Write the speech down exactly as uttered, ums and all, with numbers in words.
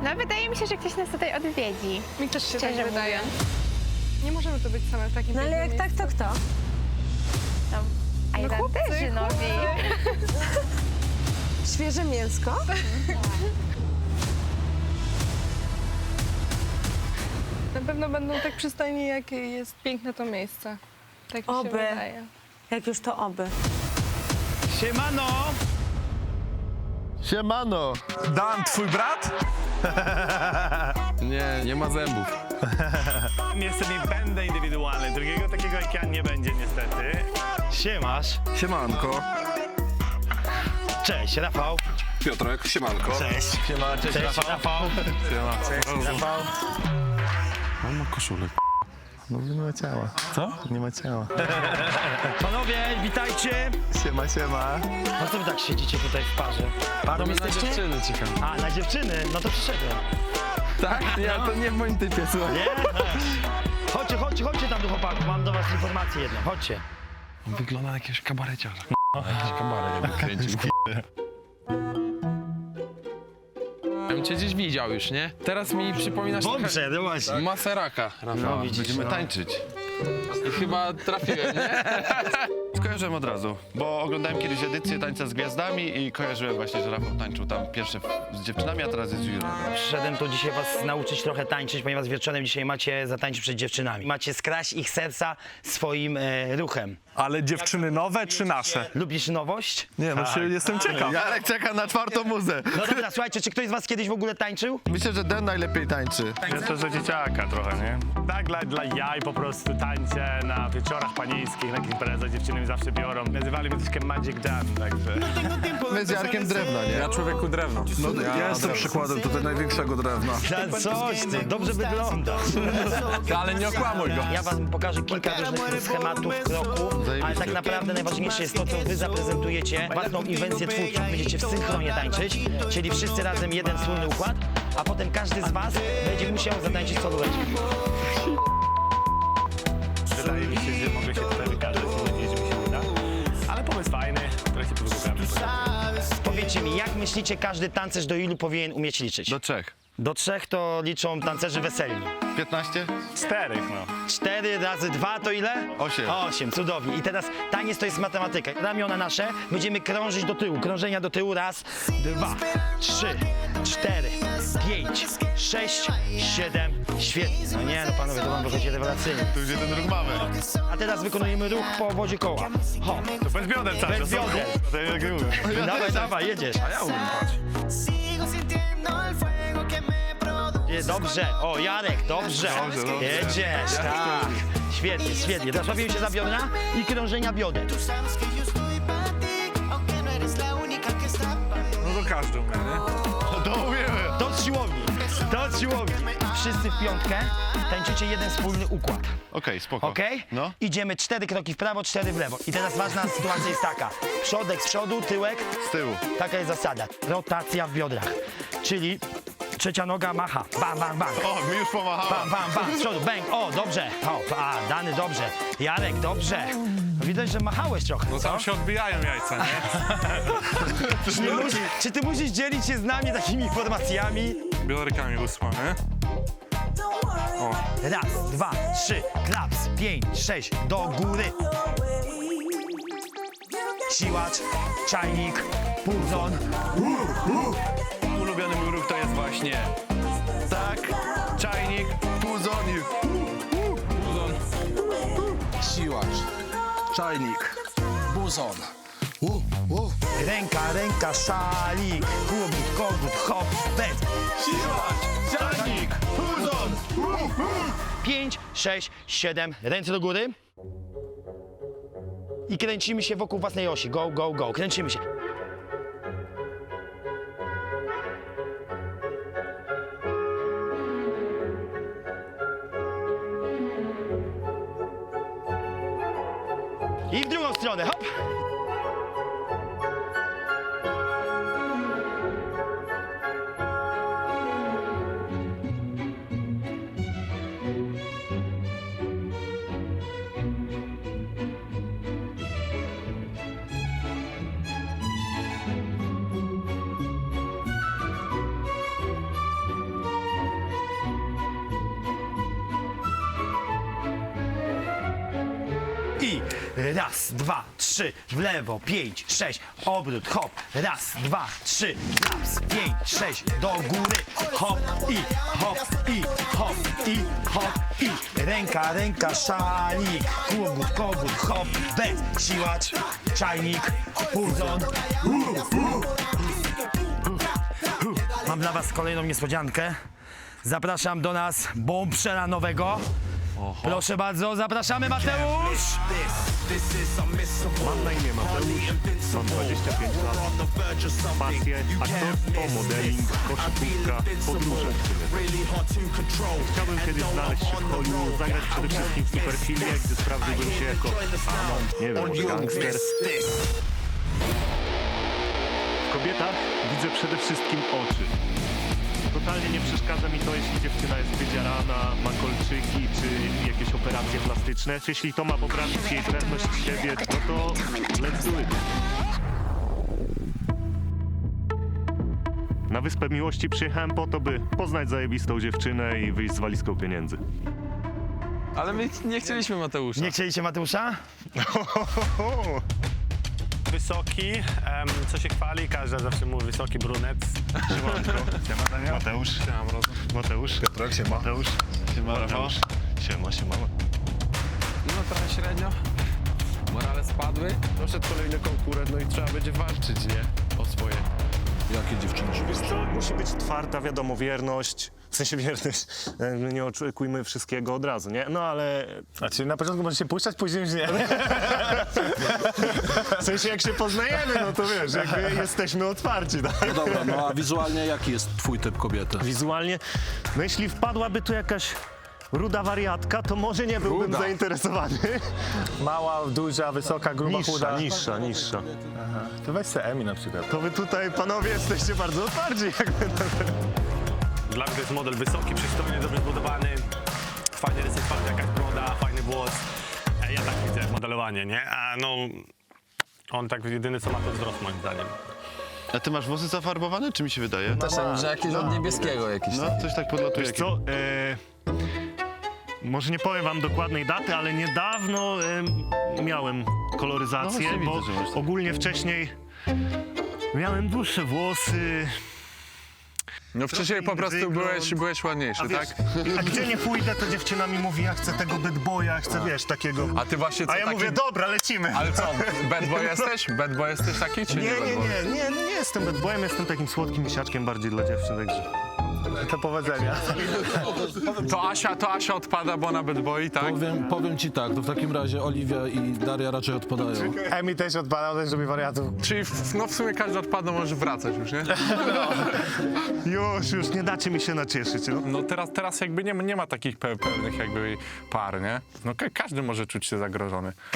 No wydaje mi się, że ktoś nas tutaj odwiedzi. Mi też się Szczerze tak wydaje. mówiąc. Nie możemy tu być same w takim No ale jak pięknym tak, to kto? No, a No chłopcy, Irlanderzy nowi. Świeże mięsko? Na pewno będą tak przystojni, jak jest piękne to miejsce. Tak mi się Oby. wydaje. Jak już to oby. Siemano! Siemano! Dan, twój brat? Nie, nie ma zębów. Niestety nie będę indywidualny, drugiego takiego jak ja nie będzie niestety. Siemasz. Siemanko. Cześć, Rafał. Piotrek, siemanko. Cześć. Siema, cześć, Cześć, Rafał. Rafał. Siema. Rafał. On ma koszulę. No nie ma ciała. Co? Nie ma ciała. Panowie, witajcie. Siema, siema. No co wy tak siedzicie tutaj w parze? Parą Na jesteście? dziewczyny czekam. A, na dziewczyny? No to przyszedłem. Tak? Ja to nie w moim typie, słuchaj. Nie? Chodźcie, chodźcie, chodźcie tam do chłopaków, mam do was informację jedną, chodźcie. Wygląda na jakiegoś kabareciarza. Jakiś kabaret jakby kręcił. Ja bym cię gdzieś widział już, nie? Teraz mi przypominasz Dobrze, no właśnie. trochę Maseraka, Rafał. No, widzisz, Będziemy no. tańczyć. I chyba trafiłem, nie? Skojarzyłem od razu, bo oglądałem kiedyś edycję Tańca z Gwiazdami i kojarzyłem właśnie, że Rafał tańczył tam pierwsze z dziewczynami, a teraz jest z jurą. Przyszedłem tu dzisiaj was nauczyć trochę tańczyć, ponieważ wieczorem dzisiaj macie zatańczyć przed dziewczynami. Macie skraść ich serca swoim e, ruchem. Ale dziewczyny nowe czy nasze? Lubisz nowość? Nie, właśnie jestem ciekaw. Jarek czeka na czwartą muzę. No dobra, słuchajcie, czy ktoś z was kiedyś w ogóle tańczył? Myślę, że Den najlepiej tańczy. Tak. Ja to za dzieciaka trochę, nie? Tak dla, dla jaj po prostu tańczę na wieczorach panieńskich, na imprezach dziewczyny mi zawsze biorą. Nazywali mnie troszkę Magic Dan, także... My z Jarkiem drewna, nie? Ja człowieku drewno. No, ja jestem przykładem tutaj największego drewna. No coś ty, dobrze wyglądasz. Ale nie okłamuj go. Ja wam pokażę kilka różnych schematów kroku, ale tak naprawdę najważniejsze jest to, co wy zaprezentujecie, własną inwencję twórczą. Będziecie w synchronie tańczyć, czyli wszyscy razem jeden wspólny układ, a potem każdy z was będzie musiał zatańczyć solóweczkę. Wydaje mi się, że mogę się tutaj wykazać i nadzieję, że mi się uda. Ale pomysł fajny, trochę się podgłębiamy. Powiedzcie mi, jak myślicie, każdy tancerz do ilu powinien umieć liczyć? Do trzech. Do trzech to liczą tancerzy weselni. piętnaście? Czterech, no. Cztery razy dwa to ile? Osiem. Osiem, cudownie. I teraz taniec to jest matematyka. Ramiona nasze, będziemy krążyć do tyłu. Krążenia do tyłu. Raz, dwa, trzy, cztery, pięć, sześć, siedem. Świetnie. No nie, no panowie, to wam wychodzi rewelacyjnie. Tu już jeden ruch mamy. A teraz wykonujemy ruch po obozie koła. Ho. To bez bioder cały Bez czas. bioder. To jak ja mówię. Dawaj, dawaj, jedziesz. Ja umiem, patrz. Nie, dobrze. O, Jarek, dobrze. Dobrze, dobrze. Jedziesz, tak. Świetnie, świetnie. Teraz łapiemy się za biodra i krążenia bioder. No to każdy umie, nie? To umiemy. Do siłowni, do siłowni. Wszyscy w piątkę tańczycie jeden wspólny układ. Okej, spoko. Okej? No. Idziemy cztery kroki w prawo, cztery w lewo. I teraz ważna sytuacja jest taka. Przodek z przodu, tyłek. Z tyłu. Taka jest zasada. Rotacja w biodrach. Czyli trzecia noga macha. Bam, bam, bam. O, mi już pomachałem. Bam, bam, bam. Z przodu, bang. O, dobrze. O, a, Dany, dobrze. Jarek, dobrze. Widać, że machałeś trochę, No co? tam się odbijają jajca, nie? Czy, nie musisz, czy ty musisz dzielić się z nami takimi informacjami? Biodrykami ósma, nie? O, Raz, dwa, trzy, klaps, pięć, sześć, do góry. Siłacz, czajnik, pulzon. Ulubiony mój ruch to jest właśnie tak, czajnik, puzonik. Siłacz, czajnik, buzon. Ręka, ręka, szalik, kogut, kogut, hop, bez. Siłacz, czajnik, puzon. Pięć, sześć, siedem, ręce do góry. I kręcimy się wokół własnej osi. Go, go, go. Kręcimy się. I w drugą stronę, hop. i raz, dwa, trzy, w lewo, pięć, sześć, obrót, hop, raz, dwa, trzy, laps, pięć, sześć, do góry, hop i hop i hop i hop i ręka, ręka, szalik, kogut, kogut, hop, bez, siłacz, czajnik, puzon. Mam dla was kolejną niespodziankę. Zapraszam do nas bombszela nowego. Proszę bardzo, zapraszamy Mateusz! Mam na imię Mateusz, mam dwadzieścia pięć lat, pasję, aktorstwo, modeling, koszykówka, podróże. Chciałbym kiedyś znaleźć się w Hollywood, zagrać przede wszystkim w superfilmie, gdy sprawdziłbym się jako fanon, nie wiem, może gangster. W kobietach widzę przede wszystkim oczy. Totalnie nie przeszkadza mi to, jeśli dziewczyna jest wydzierana, ma kolczyki czy jakieś operacje plastyczne. Jeśli to ma poprawić jej pewność siebie, no to let's do it. Na Wyspę Miłości przyjechałem po to, by poznać zajebistą dziewczynę i wyjść z walizką pieniędzy. Ale my nie chcieliśmy Mateusza. Nie chcieliście Mateusza? Wysoki, em, co się chwali, każdy zawsze mówi wysoki brunet. Siemanko. Siema Daniel. Mateusz. Siema Mrozu. Mateusz. Piotrek, siema. Mateusz. Siema Mateusz. Siema, siema. No trochę średnio. Morale spadły. Doszedł kolejny konkurent, no i trzeba będzie walczyć, nie? O swoje. Jakie dziewczyny Wiesz co, musi być twarda, wiadomo, wierność. W sensie wierność, e, nie oczekujmy wszystkiego od razu, nie? No ale... Znaczy na początku może się puszczać, później już nie. W sensie jak się poznajemy, no to wiesz, jakby jesteśmy otwarci, tak? No dobra, no a wizualnie jaki jest twój typ kobiety? Wizualnie, no jeśli wpadłaby tu jakaś ruda wariatka, to może nie byłbym Ruda. zainteresowany. Mała, duża, wysoka, gruba, chuda. Niższa, niższa, niższa. To weź se Emi na przykład. To wy tutaj, panowie, jesteście bardzo otwarci. Jakby. Dla mnie to jest model wysoki, przystojny, dobrze zbudowany. Fajny rysy twarzy, jakaś broda, fajny włos. E, Ja tak widzę modelowanie, nie? A no... On tak jedyny co ma to wzrost moim zdaniem. A ty masz włosy zafarbowane, czy mi się wydaje? Też tak, że jakieś od niebieskiego jakieś. No, coś tak podlatuje. Wiesz co, e, może nie powiem wam dokładnej daty, ale niedawno e, miałem koloryzację, No właśnie bo widzę, że masz tak. ogólnie wcześniej miałem dłuższe włosy. No wcześniej po prostu Wygląd. byłeś, byłeś ładniejszy, A, wiesz, tak? a gdzie nie pójdę, to dziewczyna mi mówi, ja chcę tego bad boya, chcę, wiesz, takiego... A ty właśnie co A ja taki... mówię, dobra, lecimy. Ale co, bad boy jesteś? Bad boy jesteś taki, czy nie? Nie, bad nie, boy? nie, nie, nie jestem bad boyem, jestem takim słodkim misiaczkiem bardziej dla dziewczyn, także... To powodzenia. To Asia, to Asia odpada, bo ona bad boy, tak? Powiem, powiem ci tak, to w takim razie Oliwia i Daria raczej odpadają. Emi też odpada, też robi wariatów. Czyli w, no w sumie każdy odpada, może wracać już, nie? Już, już nie dacie mi się nacieszyć, no. No teraz, teraz jakby nie, ma- nie ma takich pe- pewnych jakby par, nie? No ka- każdy może czuć się zagrożony.